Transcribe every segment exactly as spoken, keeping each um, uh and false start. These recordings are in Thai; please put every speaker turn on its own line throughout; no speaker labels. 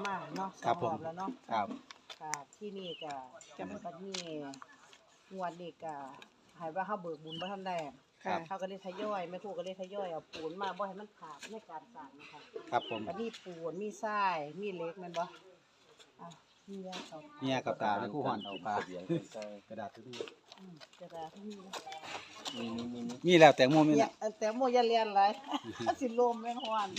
มาเนาะส
ครั
อบ ง
ผม
รอบแล้วเนาะ
ครับ
ค่ะที่นี่ก็จะมันก็มีงวดนี้ก็ให้ว่าเฮาเบิกบุญบ่ทันได้
ครับ
เฮาก็เลยทยอยแม่ครูก็เลยทยอยเอาปูนมาบ่ให้มันขาดในการสร้างนะคะ
ครับผม
ก็มีปูนมีทรายมีเหล็กแม่นบ่อ่ะมียาเขา
เนี่ยกับตาแล้วคู่หอนเอาปลา
เสียงใกล้
กระดาษทุก
อืมจะได้ที่นี่
มีมีมีมี
มีแล้วแตงโมมี
เนี่
แล้
ยว แต่โมอย่าเรียนหลาย สิลมแม่งฮ้อน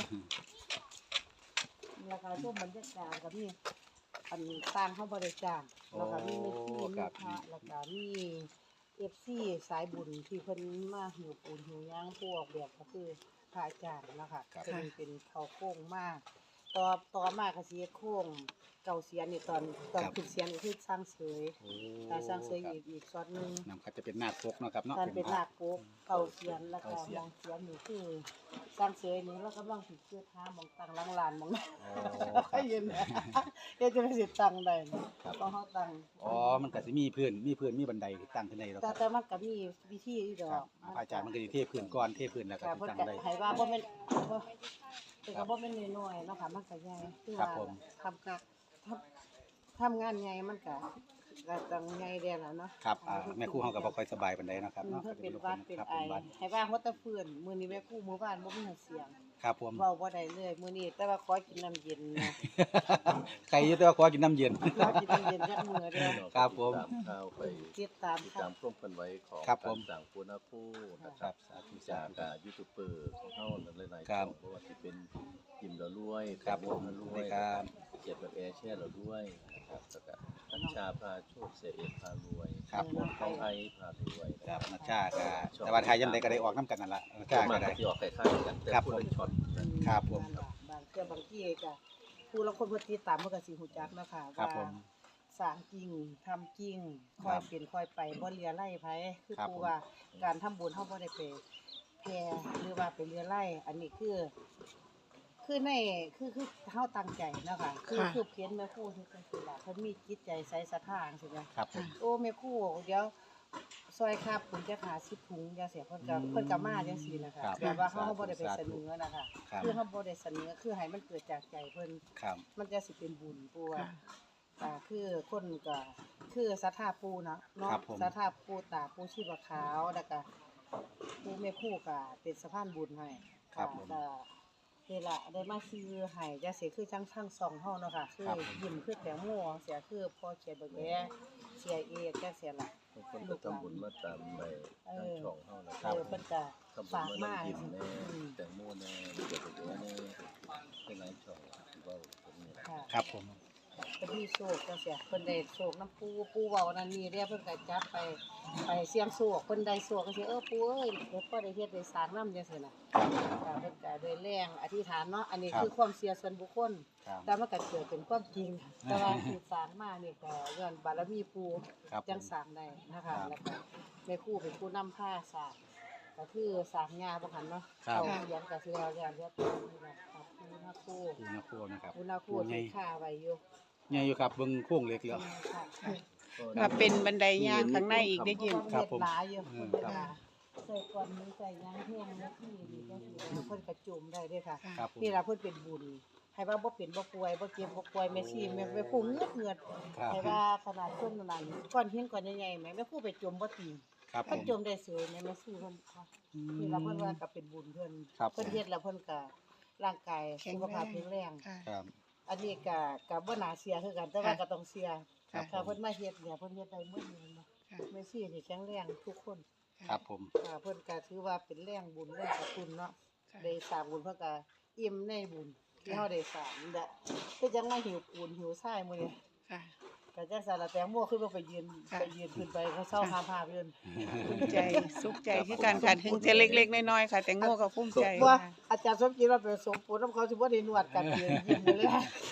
แล้วก็ช่วงบรรยากาศก็มีอันต่างเฮาบ่ได้จ้างแล้วก็มีมีที่มีพระแล้วก็มี เอฟ ซี สายบุญที่เพิ่นมาหิวปูนหิวหยังพวกแบบก็คือพระอาจารย์เนาะค่ะเพิ่นเป็นเขาโค้งมากต่อต่อมาก็สิเฮ็ดโค้งเก่าเสียนนี่ตอนตอนขึ้นเสียนก็คือสร้างเสย
โอ้
ถ้าสร้างเสยอีกอีกซอดหนึง
นำครับจะเป็นหน้าคกเนาะครับเนาะ
การเป็นนาคโกกเก่าเสียนแล้วก็มองเสียนนี่คือสร้างเสยนี่แล้วก็มองสิเชื่อท้ามองตังหลังลานมองให้ยืนเฮ็ดจังสิตั้งได้ต้องเฮาตั้ง
อ๋อมันก็สิมีพื้นมีพื้นมีบันไดตั้งขึ้นได้แล้วค
แต่
รับ
แต่มันก็มีวิธีอยู่ดอ
ครับ
ก
พระอาจารย์มันก็สิเทพื้นก่อนเทพื้นแล้วก็
ค่ะ
สิ
เพิ่น
ตั้ง
ก็
ได้
ให้ว่าบ่แม่นบ่แต่ก็บ่แม่นน้อยๆเนาะค่ะมันก็ใหญ่คือ
ครั
ว่า
บผม
ทำกะทำทำงานใหญ่มันก็ก็ต้องใหญ่แด่แล้วเนาะ
ครับอ่าแม่ครู่เฮาก็บ่ค่อยสบายปานใดเนาะครับ
อืม
เนาะ
เพิ่นเป็น
ลูก
หวัด
ค
เป็น
ครับ
ไอ
เป็นหวัด
ให้ว่าฮอดแต่ฟื้นมื้อนี้แม่ครูหมู่บ้านบ่มีเสียง
ครับผม
เว้าบ่ได้เลยมื้อนี้แต่ว่าขอกินน้ำเย็นนะ
ใครอยู่แต่ว่าขอกินน้ำเย็น
ขอกินน้ำเย็นจักมื้อเด้อ
ครับผม
ตามข่าวไป
ติดตาม
ติด
ค่ะ
ตามร่วมกันไว้ของ
ครับผม
การสั่งปูนาคู่นะค
ครั
รั
บบ สาธุสา
จาก
ธุ
อ่ายูทูบเบอร์ของเขาหลายๆ
ครั
ช่อบ งเพราะว่าที่เป็นยิมเรารวย
ครับ
แตงโมเรารวย
ครับ
เกียรติแบบแอร์แช่เราด้วยนะครับแล้วก็นัชชาพาโชคเสียเอกพารวย
ครับผม
ทองไอพารวย
ครับนักชาก็แต่ว่าไทยยังไดก็ได้ออกน้ำกันนั่นล่ะนัก
ก็
ชา
มา
ก็ได้
ที่ออกคล้ายๆกันแต่
ครับ
คนละ
ผม
ช็อตนะ
ครับผม
นั่นล่ะบางเทื่อบางที่ก็ผู้ลางคนเพิ่นติดตามเพิ่นก็สิฮู้จักเนาะค่ะ
ครับ
ว่า
ผม
สร้างจริงทำจริง
ค
ค่อ
รั
ย
บ
เป็นค่อยไปบ่เลียไล่ไผคือ
ครับ
ผู้
ผม
ว่าการทำบุญเฮาบ่ได้ไปแผ่หรือว่าไปเลียไล่อันนี้คือ คือในคือคือเฮาตั้งใจเนาะค่ะคือ
ค่ะ
คือเพียนแม่ครูที่จังซี่ล่ะเพิ่นมีจิตใจใสศรัทธาจังซี่นะ
ครับผม
โอ้แม่ครูเดี๋ยวซอยครับผมจะหาสิบถุงจังซี่เพิ่นก็เพิ่นก็มาจังซี่นะคะ
ครับ
แบบว่าเฮาบ่ได้ไป
สา
เส
ธุ
นอนะคะ
ครับ
คือเฮาบ่ได้เสนอคือให้มันเกิดจากใจเพิ่น
ครับ
มันจะสิเป็นบุญปู่ว่า
ค่ะ
อ่าคือคนก็คือศรัทธาปู่เนาะเนาะ
ครับผม
ศรัทธาปู่ตาปู่ชีพขาวแล้วก็ปู่แม่ครูก็เป็นสะพานบุญให้
ครับผม
ก็นี่ล่ะได้มาซื้อให้จังซี่คือจังทั้งสองเฮาเนาะค่ะคือ
ครับผม
ยิ้มคือแตงโมเสียคือพ่อเขียนเบิ่งแลเสียเอกจังซี่ล่ะ
บางคนก็ทำบุญมาตามในทางช่องเขานะค
เอ
รับ
อเพิ่นก็
ทำบุญ
ฝาก
มา
มา
น้ำยิ้มแน่
อืม
แตงโมแน่เกียรติแบบแน่เป็นหลายช่องที่ว่าผมเนี่ย
ค่ะ
ครับผม
เพิ่นมีโชคจังซี่เพิ่นได้โชคน้ำปูปูเว้านั่นนี่เด้เพิ่นก็จับไปไปเสี่ยงโชคเพิ่นได้โชคจังซี่เออปูเอ้ยเดี๋ยวพ่อได้เฮ็ดได้สร้างนำจังซี่น่ะ
ครับ
ค่ะเพิ่นก็ด้วยแรงอธิษฐานเนาะอันนี้
ครับ
คือความเชื่อส่วนบุคคล
ครับ
แต่มันก็เกิดเป็นความจริง แต่ว่าที่สร้างมานี่ก็ย้อนบารมีปู
ครับผม
จังสร้างได้นะคะ
ครับ
แล้วก็แม่ครูเป็นผู้นำผ้าสร้างก็คือสร้างงาบ่คันเนาะ
ครับ
เขาเขียนก็สิแล้วแล้วเรียบร้อยนี่ล่ะครับผู้นาครู
ปูนาโคนะครับ
ผู้นาครู
ใหญ่
ที่ค่าไว้อยู่
ใหญ่อยู่ครับเบิ่งโค้งเล็กแล้ว
ค่ะ
ก็เป็นบันไดย่างข้างในอีกได้ยิน
เพราะว่าเฮ็ดหลายอยู่
อืม
เฮ็ด
ครับ
หลายใส่ก่อนนี้ใส่ยางแห้งแล้วที่นี่ก็สิเอาเพิ่นกระจุ่มได้เด้อค่ะ
ครับผม
นี่ล่ะเพิ่นเป็นบุญให้ว่าบ่เป็นบ่ป่วยบ่เจ็บบ่ป่วยแม่ชีแม่แม่ผู้เงือดเงือด
ครับ
ให้ว่าขนาดคนนั้นก้อนหินก้อนใหญ่ๆแม่แม่ผู้ไปจมบ่ตีน
ครับผ
เพิ่น
ม
จมได้สวยแม่แม่ชีเพิ่นค่ะนี่ล่ะเพิ่นว่าก็เป็นบุญเพิ่น
ครับผม
เพิ่นเฮ็ดแล้วเพิ่นก็ร่างกาย
แข็ง
สุขภาพ
แรง
แข็งแรง
ค่ะ
ครับ
อันนี้ก็ก็บ่น่าเสียคือกันแต่ว่า
ค่ะ
ก็ต้องเสีย
ค่ะ
ถ้าเพิ่นมาเฮ็ดเนี่ยเพิ่นเฮ็ดได้หมดเลยเนาะ
ค่ะ
แม่ชีนี่แข็งแรงทุกคน
ครับผม
ค่ะเพิ่นก็ถือว่าเป็นแรงบุญแรงกระตุ้นเนาะ
ค่ะ
ได้สร้างบุญเพิ่นก็อิ่มในบุญที่เฮาได้สร้างนี่แหละคือจังมาหิวปูนหิวทรายมื้อนี้
ค่ะ
ก็จังซั่นล่ะแตงโมขึ้นมาไปยืน
ค่ะ
ไปยืนขึ้นไปเขาเซาหาภาพยืน
ภูมิใจสุขใจคือการค่ะถึงจะเล็กๆน้อยๆค่ะ แต่โง่ก็ภูมิใจ
ว่า
ค่ะ
อาจารย์สมจิตว่าไปสมปูนนำเขาสิบ่ได้นวดกันยืนยิ้มเลย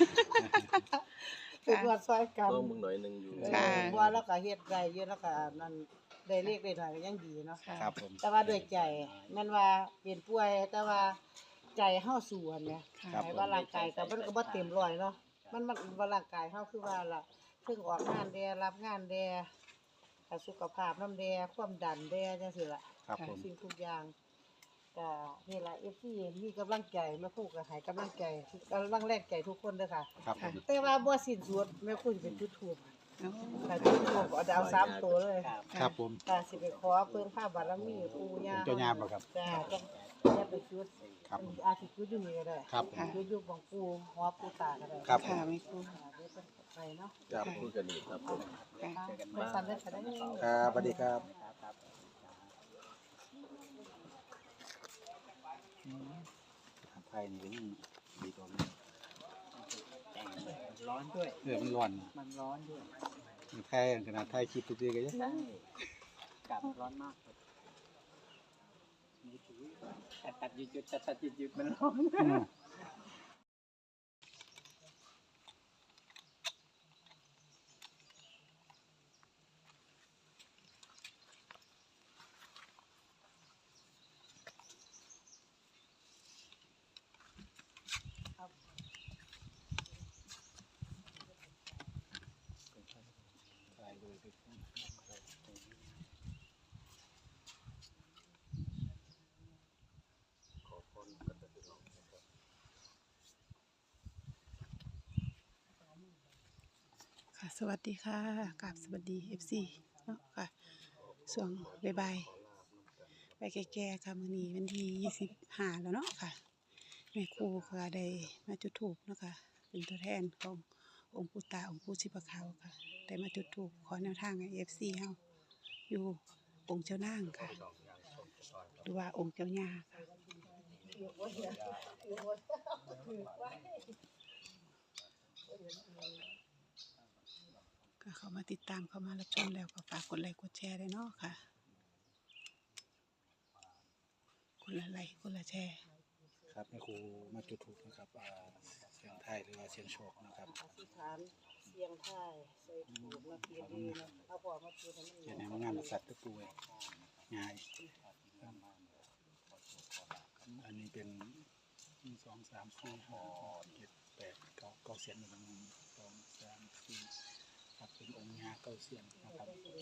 เป็นนวดซอยกัน
ก็มึงหน่อยหนึงอยู่
เออ
ค่ะ
ว่าแล้วก็เฮ็ดได้เยอะแล้วก็นั่นได้เลขได้หน่อยก็ยังดีเนาะ
ค่ะ
ครับผม
แต่ว่าด้วยใจแม่นว่าเป็นป่วยแต่ว่าใจเฮาสู้หั่นแหม
ค่ะ
ให้ว่าร่างกายก็มันก็บ่เต็มร้อยเนาะมันมันว่าร่างกายเฮาคือว่าล่ะเพิ่งออกงานแดรับงานแดก็สุขภาพนำแดความดันแดจังซี่ล่ะ
ครับผม
สิ่งทุกอย่างก็นี่ล่ะ เอฟ ซี มีกำลังใจแม่ครูก็ให้กำลังใจกำลังแรงใจทุกคนเด้อค่ะ
ครับผม
แต่ว่าบ่สิ้นสุดแม่ครูสิเป็นจุดธูป
โอ้
ถ้าจุดธูปเอาดาวสามตัวเลย
ครับผม
ก็สิไปขอเพิ่นพระบารมีปู่ย่า
เจ้าย่าบ่ครับ
จ้าต้องอย่าไปจุด
ครับ
อาจสิจุดอยู่นี่ก็ได้
ครับผม
จุดอยู่ของปู่หอปู่ตาก็ได้
ครับ
ค่ะแม่ครู
ค่ะเดี๋ยวเพิ่นไปเนาะ
ครับพูดกันอีกครับผม
ค่ะ
ไปสั่นได้ก็ได้
ครับสวัสดีครับไทยนี่ก็ยิ่งดีกว่านี้
แต่งเลยร้อนด้วย
เออมันร้อน
มันร้อนด้วย
ไทยขนาดไทยคลิปทุกทีก็ยัง
ใช่กลับร้อนมากเลยมือถือตัดตัดหยุดหยุดตัดตัดหยุดหยุดมันร้อน
อืม
ค่ะสวัสดีค่ะกราบสวัสดี เอฟ ซี เนาะค่ะส่วงบ่ายๆไปแก่ๆค่ะมื้อนี้วันที่ยี่สิบห้าแล้วเนาะค่ะแม่ครูก็ได้มาจุดธูปเนาะค่ะเป็นตัวแทนขององค์ปู่ตาองค์ปู่ชีพขาวค่ะได้มาจุดธูปขอแนวทางให้ เอฟ ซี เฮาอยู่องค์เจ้านางค่ะหรือว่าองค์เจ้าย่าค่ะก็เข้ามาติดตามเข้ามารับชมแล้วก็ฝากกดไลค์กดแชร์ด้วยเนาะค่ะคนละไลค์คนละแชร์
ครับแม่ครูมาจุดถูกนะครับอ่าเสียงไทยหรือว่าเสียงโชคนะครับ
อธิษฐานเสียงทายใส่ถูกมาเพียดีนะเอาพอมาจุดให้มัน
เขียนในมังงานสัตว์ตะปูง่ายอันนี้เป็นหนึ่งสองสามสี่ห้าหกเจ็ดแปดเก้าเก้าเสียนหนึ่งสองสามสี่ครับเป็นองค์งาเก้าเสียนนะครับ
ต้นเบิ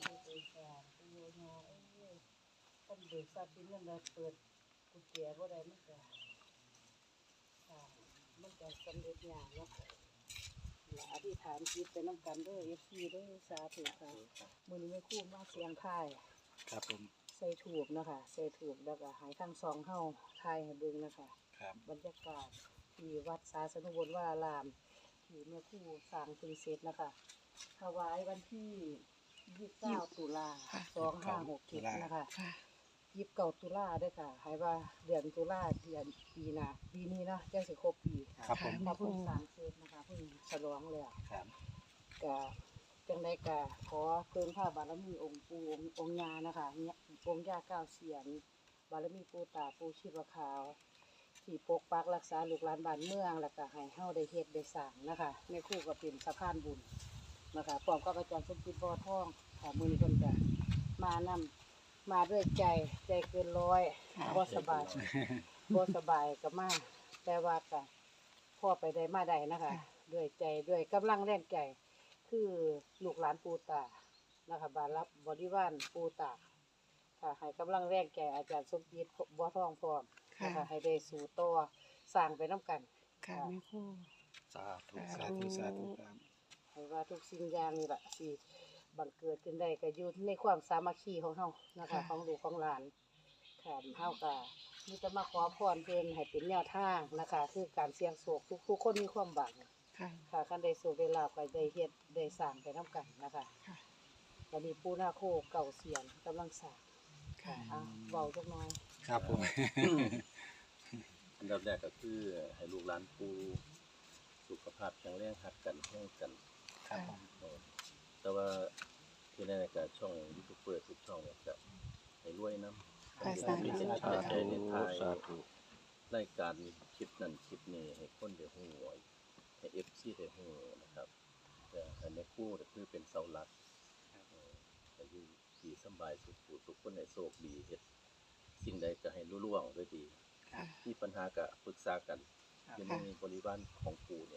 กทรัพย์สินเงินได้เปิดกุญแจบ่ได้มันก็ค่ะมันก็สำเร็จยากเนาะและอธิษฐานจิตไปนํกันเด้อ เอฟ ซี เด้อสาธุค่ะมื้อนี้แม่ครูมาเสียงทาย
ครับผม
ใส่ถูกนะคะใส่ถูกแล้วก็ให้ทั้งสองเฮาทายให้เบิ่งนะคะ
ครับ
บรรยากาศที่วัดสาสนุวรวารามที่แม่ครูสร้างถึงเสร็จนะคะถวายวันที่ยี่สิบเก้าตุลา
ค่ะ
สองห้าหกเจ็ดนะคะ
ค่ะ
ยี่สิบเก้าตุลาเด้อค่ะให้ว่าเดือนตุลาเดือนปีหน้าปีนี้เนาะจังสิครบปี
ครับผม
ถ้าเพิ่งสร้างเสร็จนะคะเพิ่งฉลองแล้ว
ครับ
ก็จังไดก็ขอเพิ่มพระบารมีองค์ปู่องค์องค์ย่านะคะเนี่ยองค์ย่าเก้าเสียนบารมีปู่ตาปู่ชีพขาว ที่ปกปักรักษาลูกหลานบ้านเมืองแล้วก็ให้เฮาได้เฮ็ดได้สร้างนะคะแม่ครูก็เป็นสะพานบุญนะคะพร้อมกับอาจารย์สมจิตบ่อทองค่ะมื้อนี้เพิ่นก็มานำมาด้วยใจใจเกินร้อย
ค่ะ
บ่สบายบ่สบายก็มาแต่ว่าก็พ่อไปได้มาได้นะคะด้วยใจด้วยกำลังแรงใจคือลูกหลานปู่ตานะคะบารับบริวารปู่ตาค่ะให้กำลังแรงใจอาจารย์สมจิตบ่อทองพร้อม
ค่ะ
นะคะให้ได้สู่ต่อสร้างไปน้ำกัน
ค่ะแม่ครู
สาธุสาธุสาธุครับ
ให้ว่าทุกสิ่งอย่างนี่แหละสิบังเกิดขึ้นได้ก็อยู่ในความสามัคคีของเฮานะคะของลูกของหลานค่ะเฮาก็มีแต่มาขอพรเพิ่นให้เป็นแนวทางนะคะ คือการเสี่ยงโชคทุกทุกคนมีความหวัง
ค่ะ
ค่ะคันได้สู่ได้ลาภก็ได้เฮ็ดได้สร้างไปน้ำกันนะคะ
ค่ะ
วันนี้ปู่นาโคเก่าเสียนกำลังสร้าง
ค่ะ
อ่ะเว้าจักหน่อย
ครับผม
อันดับแรกก็คือให้ลูกหลานปูสุขภาพแข็งแรงหักกันแห้งกัน
ครับผม
เออแต่ว่าที่แน่ๆก็ช่องยูทูบเบอร์ทุกช่องเนี่ยจะให้รวยน้ำ
ค่ะสาธุ
เป็นชาติในไทยรายการคลิปนั้นคลิปนี้ให้คนได้หูให้เอฟซีได้หูนะครับแต่อันนี้คู่ก็คือเป็นเสาหลักเออแต่อยู่ดีสำบายสุขสุขคนในโชคดีเฮ็ดสิ่งใดก็ให้รุ่ล่วงด้วยดี
ค่ะ
ที่ปัญหาก็ปรึกษากันอยู่ในบริวารของปู่เนี่ยนะ
ค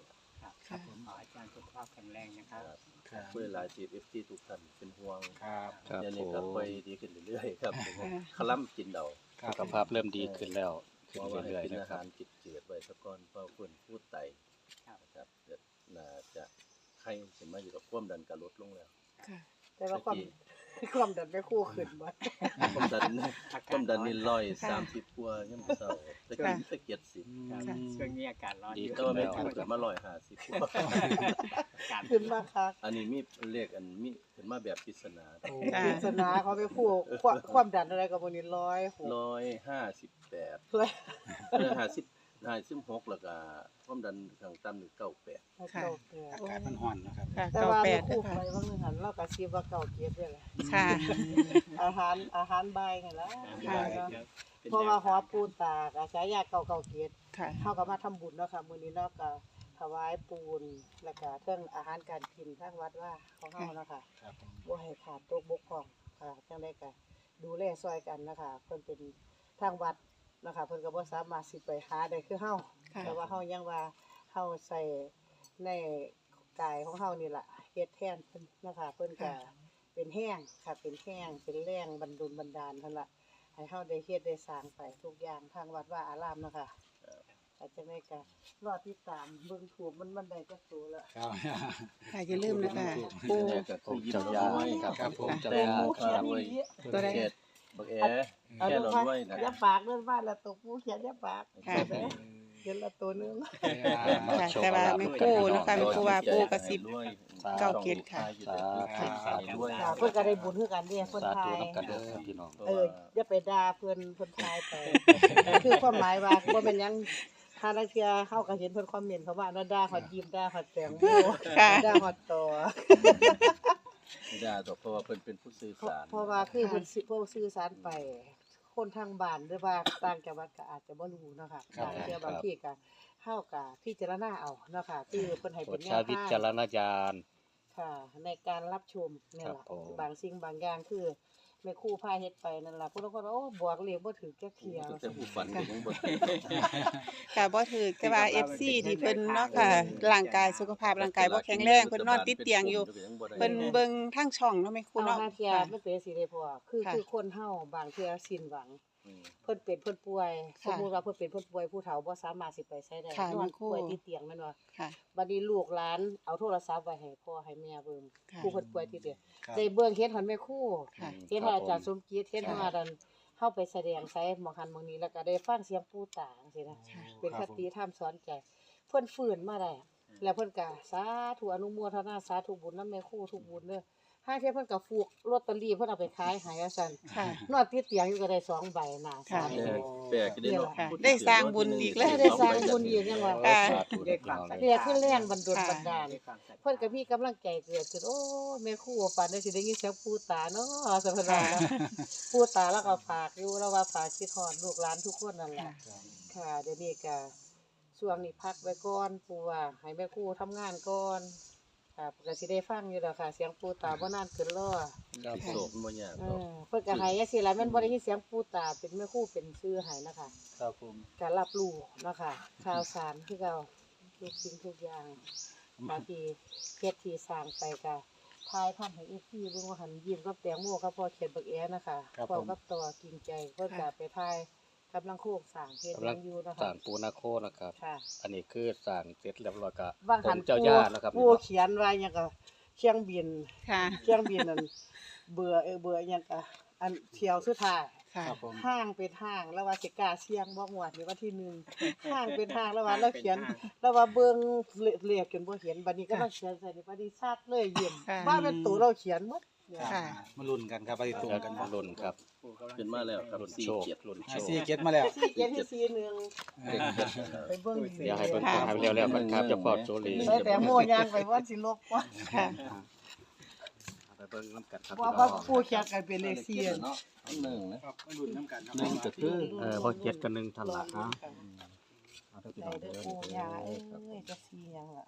ครับ
ค่ะ
ขออาจารย์สุขภาพแข็งแรงนะครับ
ครับ
เพื่อหลายทีเอฟซีทุกท่านเป็นห่วง
ครับ
ครับ
เดี๋ยว
ผ
นี้ก็
ม
ค่อยดีขึ้นเรื่อยๆครับ
ค่ะ
คลั่มกินเดา
ครับ
สุขภาพเริ่มดีขึ้นแล้ว
เพ
ขึ้น
ราะว่าให้
เรื่อย
กิน
ๆนะ
อา
ครั
หา
บ
รจืดๆไว้ซะก่อนเพราะเพิ่นพูดไต
ครับ
นะครับเดี๋ยวน่าจะไข้สิมาอยู่กับความดันก็ลดลงแล้ว
ค่ะ
แต่ว่าความ ความดันไม่คู่ขึ้นบ่
ความดัน
อากาศ
ความดันนี่ร้อย
ค่ะ
สามสิบกว่ายังบ่เศร้าตะกี้ตะเกียดสิบ
ครับ
ค่ะ
ช่วงนี้อากาศร้อน
ดี
อยู่
แต่ว่าไม่ถูกขึ้นมาร้อยห้าสิบกว่า
อากาศ
ขึ้นมาค่ะ
อันนี้มีเลขอันมีขึ้นมาแบบปริศนา
ค่ะ
ปริศนาเขาไปคู่ความความดันอะไรกับวันนี้ร้อยหก
ร้อยห้าสิบแปด
เลย
เออห้าสิบห้าสิบหกแล้วก็ความดันข้างต่ำนี่เก้าแปด
ค่ะ
เก้าแปด
อากาศมันร้อนนะครับ
ค่ะ
แต่
เก้า
ว่า
แป
ไม่
ด
คู่
ค่ะ
ไปบางนึงหันเราก็ซีว่าเก่าเกียรติด้วยแหละ
ค่ะ
อาหารอาหารใบายนี่ล่ะ
ค่ะ
เพราะว่าหอปูนตากอาฉายาเก่าเก่าเกียรติ
ค่ะ
เฮาก็มาทำบุญเนาะค่ะมื้อนี้เนาะก็ถวายปูนแล้วก็เรื่องอาหารการกินทางวัดว่าของเฮาเนาะค่ะ
ครับผม
บ่ให้ขาดตกบกพร่องค่ะจังได๋ก็ดูแลซอยกันนะคะเพิ่นเป็นทางวัดนะคะเพิ่นก็บ่สามารถสิไปหาได้คือเฮา
ค่ะ
แต่ว่าเฮายังว่าเฮาใส่ในกายของเฮานี่ล่ะเฮ็ดแทนเพิ่นนะคะเพิ่นก็เป็นแห้งค่ะเป็นแห้งเป็นแรงบันดลบันดาลเพิ่นล่ะให้เฮาได้เฮ็ดได้สร้างไปทุกอย่างทางวัดว่าอารามเนาะค่ะอาจจะได้ก็รอติดตามเบิ่งถูกมันมันได้จักตัวละ
ครับ
ค่ะอย่าลืมนะคะปู
นี่ก็คือยิ้ม
เจ้า
เรา
ยา
ด้วย
ครับ
ครับผม
เจ้า
แต่
ยา
ผู้
ค
เขีย
รั
น
บ
นี่
ตัวใด
เขตบักแอ
เอา
แค่
ดู
เรา
ว่า
ด้วยนะ
อย่าปากเรื่องบ้านละตัวผู้เขียนอย่าปาก
ค่ะ
เขียนละตัวหนึง
ค่ะ แต่ว่าแม่ครูนะคะแม่ครูว่าปูกระซิบ เก้าเกียรติค่ะ
สาธุสาธุด้วย
ค่ะเพิ่นก็ได้บุญคือกันเด้เพิ่น
สา
ทา
ธุ
ย
น้ำกันเด้อครับพี่น้อง
เอออย่าไปด่าเพิ่นเพิ่นทายไป คือความหมายว่าบ่เป็นหยังถ้านักเที่ยเฮาก็เห็นเพิ่นคอมเมนต์เขาว่าน่าด่าฮอดยิ้มด่าฮอดแตงโม
ค่ะ
ด่าฮอดต่อ
ไม่ได้หรอกเพราะว่าเพิ่นเป็นผู้สื่อ
เพราะ
สาร
เพราะว่าคือเพิ่นสิเพิ่นสื่อสารไป คนทางบ้านหรือว่าต่างจังหวัดก็อาจจะบ่รู้เนาะค่ะ
ครับ
บางเที่ยบางทีก็เฮาก็พิจารณาเอาเนาะค่ะคือเพิ่นให้
โปร
เป็
ด
นแน
ใช้
ว
วิ
ทาง
จารณญาณ
ค่ะในการรับชมเนี่ย
ครับ
ล่ะ
ผม
บางสิ่งบางอย่างคือแม่ครูพาเฮ็ดไปนั่นล่ะผู้ลางคนว่าโอ้บอกเลขบ่ถูกจักเที่ย
แต่ผู้ฝันก็ยังบ่
ค่ะบ่ถือแต่ว่า เอฟ ซี ที่เพิ่นเนาะค่ะร่างกายสุขภาพร่างกายบ่แข็งแรงเพิ่นนอนติดเตียงอยู่เพิ่นเบิ่งทางช่องเนาะแม่ครู
เอา
เนาะ
หาเที่ย
ค่ะ
มันเป็นสิได้พอคือ
ค่ะ
คือคนเฮาบางเที่ยสิ้นหวัง
อืม
เพิ่นเป็นเพิ่นป่วยส
ค่ะ
มมุติว่าเพิ่นเป็นเพิ่นป่วยผู้เฒ่าบ่สามารถสิไปไสได้
ค่ะ
นอน
แม่ครู
ป่วยติดเตียงแม่นบ่
ค่ะ
บัดนี้ลูกหลานเอาโทรศัพท์ไว้ให้พ่อให้แม่เบิ่ง
ค่ะ
ผู้เพิ่นป่วยติดเตียง
ครับ
ได้เบิ่งเฮ็ดหันแม่ครู
ค่ะ
เฮ็ดให้อาจารย์สมคิดเฮ็ดให้อาจารย์เฮาไปแสดงไสหมองหันหมองนี้แล้วก็ได้ฟังเสียงปู่ตาจังซี่นะ
ค่ะ
เป็น
ค
ครับ
ผม
ติธรรมสอนใจ เพิ่นฟื้นมาได้ แล้วเพิ่นก็สาธุอนุโมทนาสาธุบุญนำแม่ครูทุกบุญเด้อห้าเที่ยเพิ่นก็ฟูกลอตเตอรี่เพิ่นเอาไปขายให้ว่าซั่น
ค่ะ
นอนติดเตียงอยู่ก็ได้สองใบน่ะ
ค่ะ
สาม
แปล
ใบ
กแปลกได้เนาะ
ค่ะได้สร้างบุญอีกแล้ว
ได้สร้างบุญอีกยังว่า
ค่ะ
สาธุนะพี่น้องเลย
เรียกขึ้นแรงบันดล
ค่ะ
บันดาล
ด้วยความศรัทธา
เพิ่นก็มีกำลังใจเกิดขึ้นโอ้แม่ครูฝันได้สิได้ยินเสียงปู่ตาเนาะสัพพะนะปู่ตาแล้วก็ฝากอยู่แล้วว่าฝากคิดฮอดลูกหลานทุกคนนั่นแหละ
ค่ะ
ค่ะเดี๋ยวนี้ก็ช่วงนี้พักไว้ก่อนปู่ว่าให้แม่ครูทำงานก่อนค่ะก็สิได้ฟังอยู่แล้วค่ะ เสียงปู่ตาบ่นานเกินรอ
ครับ
โศกบ่ยาก
เอ
หรอก
อเพิ่นก็ให้จังซี่ล่ะแม่นบ่ได้ยินเสียงปู่ตาเป็นแม่ครูเป็นชื่อให้นะคะ
ครับผม
ก็รับรู้เนาะค่ะข่าวสารคือเก่าทุกสิ่งทุกอย่างบางทีเฮ็ดที่สร้างไปก็ทายทำให้อีกทีเบิ่งว่าหันยิ้มกับแตงโมกับพ่อเขียนบักแอนะคะพร้อมกับต่อจริงใจเพิ่นก็ไปทายกำลังโคกสร้างเฮ็ดห
กำลั
ยัง งอยู่นะ
สร้า
คะ
งปูนาโคนะครับ
ค่ะ
อันนี้คือสร้างเสร็จเรียบร้อยก็
ว่างหัน
องค์เจ้าย่านะครับ
ผู้เขียนว่าหยังก็เครื่องบิน
ค่ะ
เครื่องบินนั่นเบื่อเออเบื่อหยังก็อันเที่ยวสุดท้าย
ค่ะ
ครับผม
ห้างเป็นห้างแล้วว่าสิกล้าเสี่ยงบ่งวดนี่วันที่หนึ่งห้างเป็นห้างแล้วว่าเราเขียน แล้วว่าเบิ่งเลขจนบ่เห็นบัดนี้ก็เราเขียนใส่ในบัดนี้ซาดเลยยิ้ม
ค่ะ
ว่าเป็นตัวเราเขียนหมดเนี่ย
ค่ะ
มาลุ้นกันครับไปตรงกัน
มาลุ้นครับ
ขึ้นมาแล้วครับ
ลุ้น
สี่
โชค
เกียรติ
ลุ้นโช
ไอ
ค
ซีเก็ตมาแล้ว
สี่เจ็ดที่สี่หนึ่ง
เด็กเจ็ดนะ
ไปเบิ่ง
เดี๋ยวให้เพิ่นทำเร็วๆกันครับเจ้าพ่อโจลี
ใส่แต่โมยางไปว่าสิลบว่า
ค่ะ
ไปเบิ่งน้ำกันครับ
ว่า
พี่น้
ว่า
อง
ผู้เขียนกันเป็นเลขสี่
เนาะหนึ่งนะครับ
มาลุ้นน้ำกัน
หนึ่งก็คือเออพอเจ็ดกับหนึ่งทันละฮะ
ใส่เด้อปู่ย่าเอ้ยจะสี่หยังล่ะ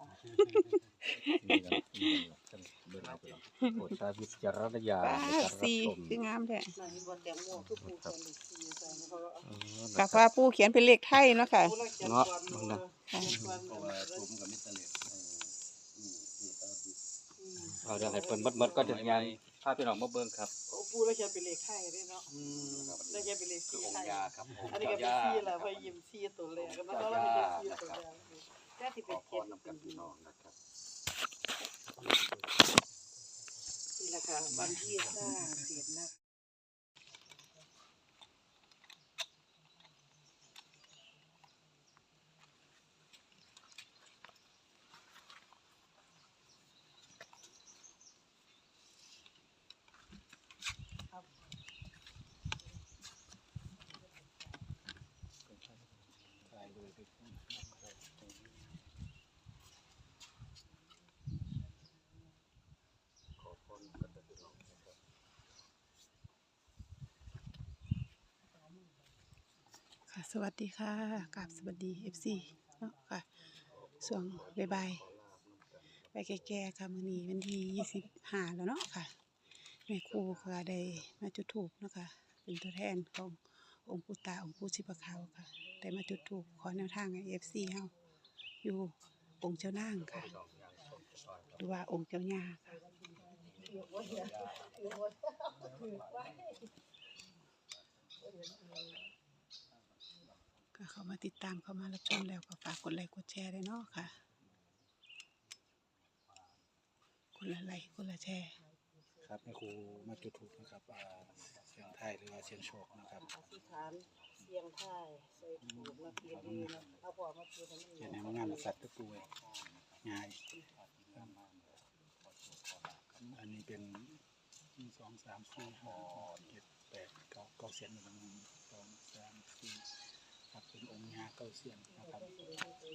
โปรดใช้วิจารณญาณ
ป้า
ในการรับ
สี่
ชม
คืองามแท้
นั่นนี่บ่แตงโมคือปู่เขียนเลขสี่ใส่เพราะว่า
เออ
กั
นะ
บ
ครับ
ว่าปูเขียนเป็นเลขไทยเนาะค่ะ
ปู่เราเขียนก่อนมือ
เนาะ
เขียนก่อน
เพราะ
มือ
ว่าผมกับมิตรเล็ก
เอาเดี๋ยวให้เพิ่นหมดๆก็จะงานพาพี่น้องมาเบิ่งครับ
โอ้ปูแล้วจะเป็นเลขไทยด้วยเนาะ
อืม
แล้วจะเป็นเลข
คือ
สี่
อง
ไทย
ค์ยาครับผม
อันนี้ก็เป็นสี่แหละเพอยิ้มสี่ตัวแรกแล้วก็เราเป็นสี่ตัวแรกแค่ที่
ข
เป็
อน พ
เจ็ด
รนำกันพี่น้องนะครับ
นี่แหละค่ะวันที่สร้างเสร็จนะ
ถ่ายเลยไปพุ่ง
ขอพรกันพี่น้องนะครับ
ค่ะสวัสดีค่ะกราบสวัสดี เอฟ ซี เนาะค่ะช่วงบ่ายๆไปแก่ๆค่ะมื้อนี้วันที่ยี่สิบห้าแล้วเนาะค่ะแม่ครูก็ได้มาจุดธูปเนาะค่ะเป็นตัวแทนขององค์ปู่ตาองค์ปู่ชีพขาวค่ะได้มาจุดธูปขอแนวทางให้ เอฟ ซี เฮาอยู่องค์เจ้านางค่ะหรือว่าองค์เจ้าย่าค่ะก็เข้ามาติดตามเข้ามารับชมแล้วก็ฝากกดไลค์กดแชร์ด้วยเนาะค่ะคนละไลค์คนละแชร์
ครับแม่ครูมาจุดถูกนะครับอ่าเสียงไทยหรือว่าเสียงโชคนะครับ
อธิษฐานเสียงไทายใส่ถูกมาเพียดีนะเอาพอมาเพียให้มัน
เขียนในมังงานสัตว์ตะปูง่ายอันนี้เป็นหนึ่งสองสามสี่ห้าหกเจ็ดแปดเก้าเก้าเสียนหนึ่งสองสามสี่ครับเป็นองค์งาเก้าเสียนนะครับ
ท่านเบิกทรัพย์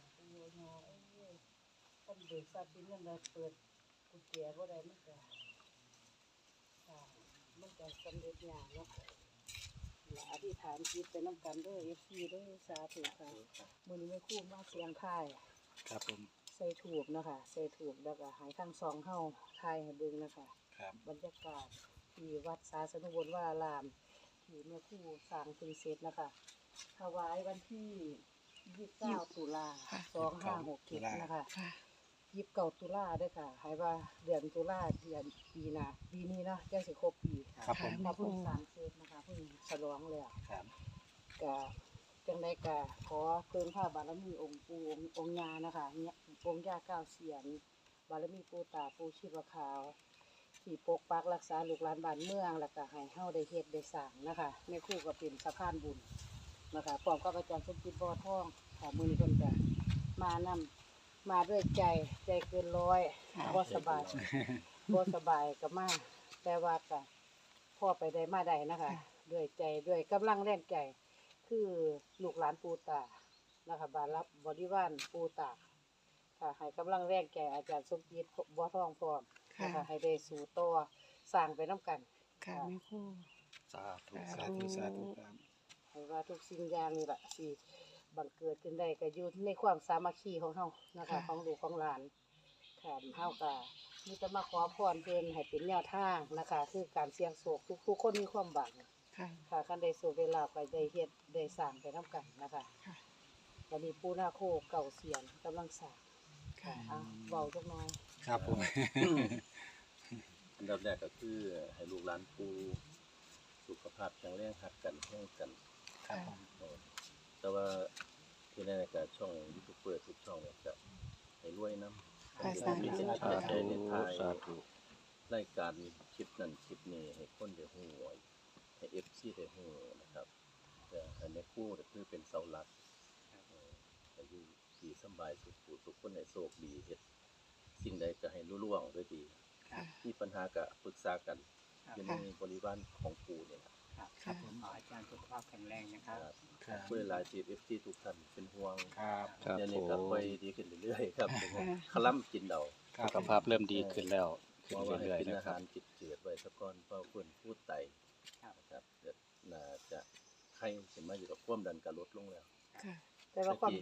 สินเงินได้เปิดกุญแจบ่ได้มันก็ค่ะมันก็สำเร็จยากเนาะและอธิษฐานจิตไปน้ำกันเด้อ เอฟ ซี เด้อสาธุค่ะมื้อนี้แม่ครูมาเสียงไทาย
ครับผม
ใส่ถูกนะคะใส่ถูกแล้วก็ใหายทั้งสองเฮาทายให้เบิ่งนะคะ
ครับ
บรรยากาศที่วัดสาสนุวรวารามที่แม่ครูสร้างขึ้นเสร็จนะคะถวายวันที่ยี่สิบเก้าตุลาสองห้าหกเจ็ดนะคะ
ค่ะ
ยี่สิบเก้าตุลาเด้อค่ะให้ว่าเดือนตุลาเดือนปีหน้าปีนี้เนาะจังสิครบปี
ครับผม
ถ้าเพิ่งสร้างเสร็จนะคะเพิ่งฉลองแล้ว
ครับ
ก็จังไดก็ขอเพิ่มพระบารมีองค์ปู่องค์ย่านะคะเนี่ยองค์ย่าเก้าเสียนบารมีปู่ตาปู่ชีพขาวที่ปกปักรักษาลูกหลานบ้านเมืองแล้วก็ให้เฮาได้เฮ็ดได้สร้างนะคะแม่ครูก็เป็นสะพานบุญนะคะพร้อมกับอาจารย์สมจิตบ่อทองค่ะมื้อนี้เพิ่นก็มานำมาด้วยใจใจเกินร้อยบ่สบายบ่สบายก็มาแต่ว่าก็พ่อไปได้มาได้นะคะด้วยใจด้วยกำลังแรงใจ คือลูกหลานปูตานะคะบารับบริวารปูตาค่ะให้กำลังแรงแก่อาจารย์สมจิตบ่ทองพร้อมนะคะให้ได้สู่ต่อสร้างไปน้ำกัน
ค่ะแม่ครู
สาธุ
สาธุสาธุครับ
ให้ว่าทุกสิ่งอย่างนี่แหละสิบังเกิดขึ้นได้ก็อยู่ในความสามัคคีของเฮานะคะของลูกของหลานค่ะเฮาก็มีแต่มาขอพรเพิ่นให้เป็นแนวทางนะคะคือการเสี่ยงโชคทุกๆคนมีความหวัง
ค่ะ
ค่ะคันได้สู่เวลาไปได้เฮ็ดได้สร้างไปน้ำกันนะคะ
ค่ะ
วันนี้ปูนาโคเก่าเสียนกำลังสร้าง
ค่ะ
อ่ะเบาจักหน้อย
ครับผม
อันดับแรกก็คือให้ลูกหลานปูสุขภาพแข็งแรงหักกันแห้งกัน
ครับผม
เออแต่ว่าที่แน่ๆก็ช่องยูทูบเบอร์ทุกช่องเนี่ยจะให้รวยน้ำ
ค่ะสาธุ
มีสิทธิ์
สา
ใจ
ธุ
ในทาย
สาธุ
รายการคลิปนั้นคลิปนี้ให้คนได้ฮู้ให้เอฟซีได้ฮู้นะครับแต่อันนี้คู่ก็คือเป็นเสาหลักเออให้อยู่ดีสำบายสุขผู้สุขคนให้โชคดีเฮ็ดสิ่งใดก็ให้รุ่ล่วงด้วยดี
ค่ะ
มีปัญหาก็ปรึกษากันอยู่ในบริวารของปู่เนี่ย
ครับ
ค่ะ
ผมขออาจารย์สุขภาพแข็งแรงนะครับ
ครับ
ครับ
เพื่อหลายทีเอฟซีทุกท่านเป็นห่วง
ครับ
ครับ
เดี๋ยว
ผ
นี้ก็
ม
ค่อยดีขึ้นเรื่อยๆครับ
ค่ะ
คล่ำกินเดา
ครับ
สุขภาพเริ่มดีขึ้นแล้ว
เพ
ขึ้น
ราะว่าให้
เรื่อย
กิน
ๆนะ
อา
ครั
หา
บ
รจิตเจือดไว้ซะก่อนเพราะเพิ่นพูดไต
ครับ
นะครับเดี๋ยวน่าจะไข้สิมาอยู่กับความดันก็ลดลงแล้ว
ค่ะ
แต่ว่าความ
ตะกี้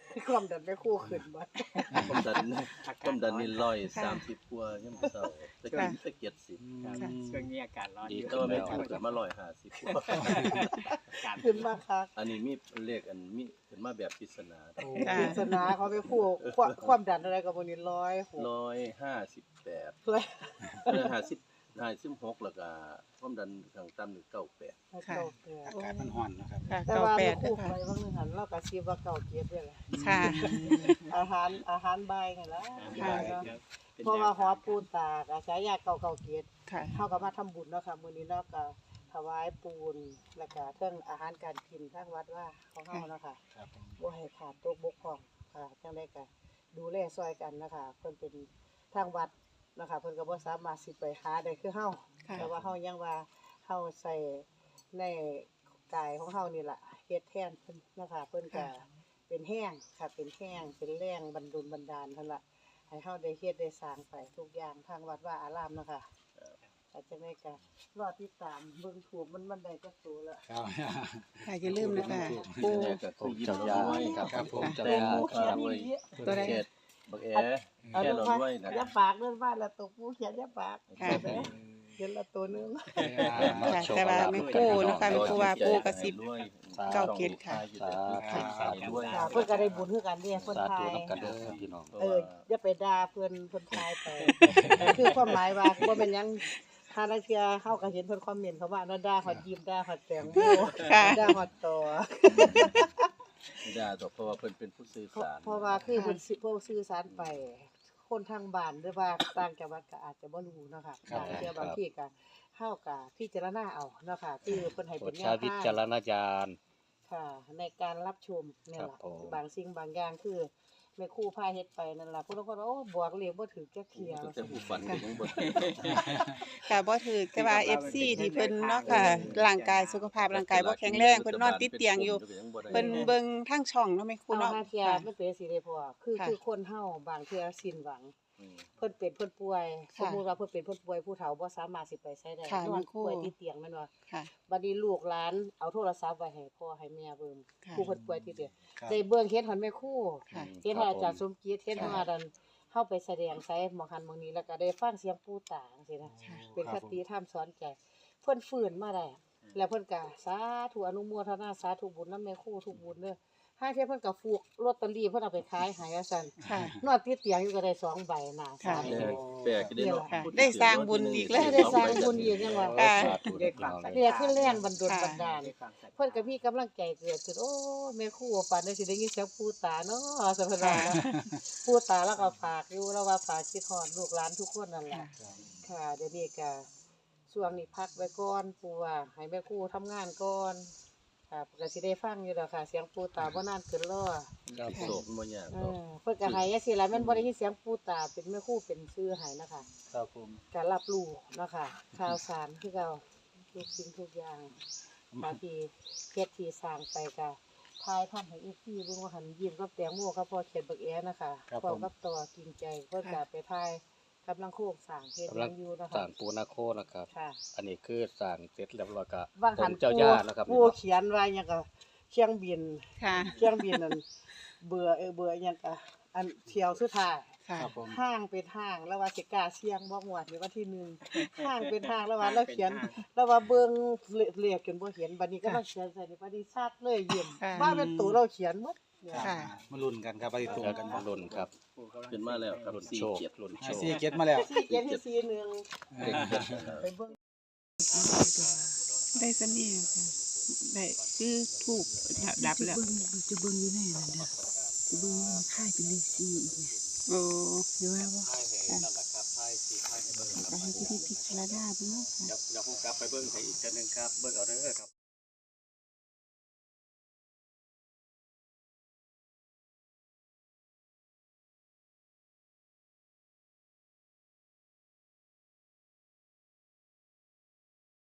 ความดันไม่คู่ขึ้นบ่
ต้มดันต้มดันนี่ร้อยสามสิบกว่ายังบ่เศร้าตะกี้ตะเกียบสิบ
ครับช่วงนี้อากาศร้อน
ดี
อยู่
แต่ว่าไม่ถูกขึ้นมาร้อยห้าสิบกว่า
อากาศ
ขึ้นมาคัก
อันนี้มีเลขอันมีขึ้นมาแบบปริศนา
ค่ะ
ปริศนาเขาไปคู่ความความดันอะไรกับบ่นี่ร้อยหก
ร้อยห้าสิบแปด
เลย
เออห้าสิบห้าสิบหกแล้วก็ความดันข้างต่ำนี่เก้าแปด
ค่ะ
อากาศมันร้อนนะครับ
ค่ะ
แต่
เก้า
ว่า
แป
ไม่
ด
คู่
ค่ะ
ไปบางนึงหันเราก็สิว่าเก่าเกียรติด้วยล่ะ
ค่ะ
อาหารอาหารบ่ายนี่ล่ะ
ค่ะ
เพราะว่าหอปูนตากอาฉายาเก่าเก่าเกียรติ
ค่ะ
เฮาก็มาทำบุญเนาะค่ะมื้อนี้เนาะก็ถวายปูนแล้วก็เรื่องอาหารการกินทางวัดว่าของเฮาเนาะค่ะ
ครับผม
บ่ให้ขาดตกบกพร่องค่ะจังได๋ก็ดูแลซอยกันนะคะเพิ่นเป็นทางวัดนะคะเพิ่นก็บ่สามารถสิไปหาได้คือเฮา
ค่ะ
แต่ว่าเฮายังว่าเฮาใส่ในกายของเฮานี่ล่ะเฮ็ดแทนเพิ่นนะคะเพิ่นก็เป็นแห้งค่ะเป็นแห้งเป็นแรงบันดลบันดาลเพิ่นล่ะให้เฮาได้เฮ็ดได้สร้างไปทุกอย่างทางวัดว่าอารามเนาะค่ะอาจจะได้ก็รอติดตามเบิ่งถูกมันมันได้จักตัวละ
ครับ
ค่ะอย่าลืมนะคะปู
นี่ก็คือยิ้ม
เจ้า
เรา
ยา
ด้วย
ครับ
ครับผม
เจ้า
เป็น
ยา
ผู้
ค
เขีย
รั
น
บ
อีหลี
ตัวใด
เขตบักแอ
เอา
แค่
ลง
เรา
มา
ด้วยนะ
อย่าปากเรื่องบ้านละตัวผู้เขียนอย่าปาก
ค่ะ
เห็นไหมเขียนละตัวหนึง
ค่ะแต่ว่าแม่ครูนะคะแม่ครูว่าปูกระซิบ เก้าเกียรติค่ะ
สาธุสาธุด้วย
ค่ะเพิ่นก็ได้บุญคือกันเด้เพิ่น
สา
ทา
ธุ
ย
น้ำกันเด้อครับพี่น้อง
เอออย่าไปด่าเพิ่นเพิ่นทายไป คือความหมายว่าบ่เป็นหยังถ้านักเที่ยเฮาก็เห็นเพิ่นคอมเมนต์เขาว่าน่าด่าฮอดยิ้มด่าฮอดแตงโม
ค่ะ
ด่าฮอดต่อ
ไม่ได้หรอกเพราะว่าเพิ่นเป็นผู้สื่อ
เพราะ
สาร
เพราะว่าคือเพิ่นสิเพิ่นสื่อสารไป คนทางบ้านหรือว่าต่างจังหวัดก็อาจจะบ่รู้เนาะค่ะ
ครับ
บางเที่ยบางทีก็เฮาก็พิจารณาเอาเนาะค่ะคือเพิ่นให้
โปร
เป็
ด
นแน
ใช้
ว
วิ
ทาง
จารณญาณ
ค่ะในการรับชมเนี่ย
ครับ
ล่ะ
ผม
บางสิ่งบางอย่างคือแม่ครูพาเฮ็ดไปนั่นล่ะผู้ลางคนว่าโอ้บอกเลขบ่ถูกจักเที่ย
แต่ผู้ฝันก็ยังบ่
ค่ะบ่ถือแต่ว่า เอฟ ซี ที่เพิ่นเนาะค่ะร่างกายสุขภาพร่างกายบ่แข็งแรงเพิ่นนอนติดเตียงอยู่เพิ่นเบิ่งทางช่องเนาะแม่ครู
เอา
เนาะ
หาเที่ย
ค่ะ
มันเป็นสิได้พอคือ
ค่ะ
คือคนเฮาบางเที่ยสิ้นหวัง
อืม
เพิ่นเป็นเพิ่นป่วยส
ค่ะ
มมุติว่าเพิ่นเป็นเพิ่นป่วยผู้เฒ่าบ่สามารถสิไปไสได้
ค่ะ
นอ
แม่
น
ครู
ป่วยติดเตียงแม่นบ่
ค่ะ
บัดนี้ลูกหลานเอาโทรศัพท์ไว้ให้พ่อให้แม่เบิ่ง
ค่ะ
ผู้เพิ่นป่วยติดเตียง
ครับ
ได้เบิ่งเฮ็ดหันแม่ครู
ค่ะ
เฮ็ดให้อาจารย์สมคิดเฮ็ดให้ว่าดันเฮาไปแสดงไสหมองหันหมองนี้แล้วก็ได้ฟังเสียงปู่ตาจังซี่นะ
ค่ะ
เป็น
ค
ครับ
ผม
ติธรรมสอนใจ เพิ่นฟื้นมาได้ แล้วเพิ่นก็สาธุอนุโมทนาสาธุบุญนำแม่ครูทุกบุญเด้อห้าเที่ยเพิ่นก็ฟูกลอตเตอรี่เพิ่นเอาไปขายให้ว่าซั่น
ค่ะ
นอนติดเตียงอยู่ก็ได้สองใบน่ะ
ค่ะ
สาม
แปล
ใบ
กแปลกได้เนาะ
ค่ะ
พูถึ
ได้สร้างบุญอีกแล้ว
ได้สร้างบุญอีกยังว่า
ค่ะ
สาธุนะพี่น้องเลย
เรียกขึ้นแรงบันดล
ค่ะ
บันดาลเพิ่นก็มีกำลังใจเกิดขึ้นโอ้แม่ครูฝันได้สิได้ยินเสียงปู่ตาเนาะสัพพะนะปู่ตาแล้วก็ฝากอยู่แล้วว่าฝากคิดฮอดลูกหลานทุกคนนั่นแหละ ค่ะเดี๋ยวนี้ก็ช่วงนี้พักไว้ก่อนปู่ว่าให้แม่ครูทำงานก่อนค่ะก็สิได้ฟังอยู่ดอกค่ะ เสียงปู่ตาบ่นานเกินรอ
ครับโศกบ่ยาก
เอ
หรอก
อเพิ่นก็ให้จังซี่ล่ะแม่นบ่ได้ยินเสียงปู่ตาเป็นแม่ครูเป็นชื่อให้นะคะ
ครับผม
ก็รับรู้เนาะค่ะข่าวสารคือเก่าทุกสิ่งทุกอย่างบางทีเฮ็ดที่สร้างไปก็ทายทำให้อีกทีเบิ่งว่าหันยิ้มกับแตงโมกับพ่อเขียนบักแอนะคะพร้อมกับตัวกินใจเพิ่นก็ไปทายกำลังโคกสร้างเฮ็ดห
กำลั
ยัง งอยู่นะ
สร้า
คะ
งปูนาโคนะครับ
ค่ะ
อันนี้คือสร้างเสร็จเรียบร้อยก็
ว่างหัน
องค์เจ้าย่านะครับ
ผู้เขียนว่าหยังก็เครื่องบิน
ค่ะ
เครื่องบินนั่นเบื่อเออเบื่อหยังก็อันเที่ยวสุดท้าย
ค่ะ
ครับผม
ห้างเป็นห้างแล้วว่าสิกล้าเสี่ยงบ่งวดในวันที่หนึ่งห้างเป็นห้างแล้วว่าเราเขียนแล้วว่าเบิ่งเลขจนบ่เห็นบัดนี้ก็ต้องเขียนใส่ในบัดนี้ซัดเลยยิ้ม
ค่ะ
ว่าเป็นตัวเราเขียนหมด
ค่ะ
มาลุ้นกันครับไปตรงกัน
รุ่นครับ
ขึ้นมาแล้วครับ
รุ่น
สี่
โชค
เกียรติ
รุ่นโช
ให้
ค
ซีเก็ตมาแล้ว
สี่เขียนที่สี่หนึ่ง
เด็กเกิดนะครับ
ไปเบิ่ง
ได้สนี่ค่ะได้คือถูกดับแล้ว
จะเบิ่งอยู่แน่นั่นเด้อจะเบิ่งว่ามันค่ายเป็นเลขสี่อีกเนี่ย
โอ้
เดี๋ยวว่าบ่
ค่ะก็ให้พี่พิจารณาเบิ่งเนาะค่ะ
เดี๋ยวผมกลับไปเบิ่งให้อีกจังนึงครับเบิ่งเอาเด้อครับ